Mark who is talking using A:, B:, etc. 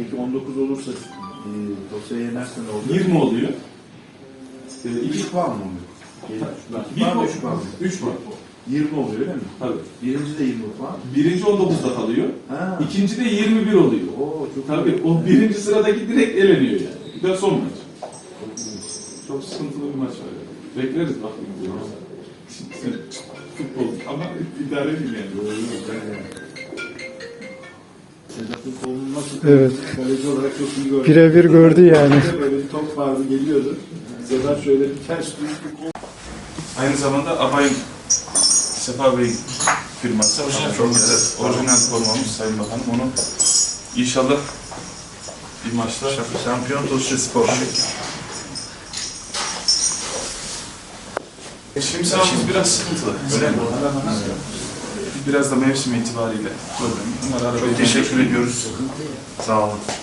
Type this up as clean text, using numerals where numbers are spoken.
A: Peki 19 olursa dosyaya yenerse ne oluyor?
B: 20 oluyor.
A: 2 puan mı oluyor?
B: 1 puan,
A: 3 puan mı?
B: 3 puan.
A: 20 oluyor değil mi?
B: Tabii.
A: Birinci de 20 puan.
B: Birinci 19'da kalıyor.
A: Ha.
B: İkinci de 21 oluyor.
A: Oo, çok
B: Tabii o birinci sıradaki direkt eleniyor yani. Bir de son maç. Çok sıkıntılı bir maç var yani. Bekleriz bakayım diyoruz. Futbol ama idare edin yani.
A: Sedat'ın kolunu nasıl
C: Evet.
A: kaleci olarak çok iyi gördü.
C: Birebir gördü yani.
A: Böyle bir top vardı geliyordu. Sedat şöyle bir ters düz bir kol.
D: Aynı zamanda Abay'ın Sefa Bey'in firması. Orijinal formamız Sayın Bakanım. Onu inşallah bir maçta
A: Şampiyon Tosya Spor.
D: Şimdi sahamız biraz sıkıntılı. Öyle mi? Biraz da mevsim itibariyle problem. Bunlara teşekkür ediyoruz. Sağ olun.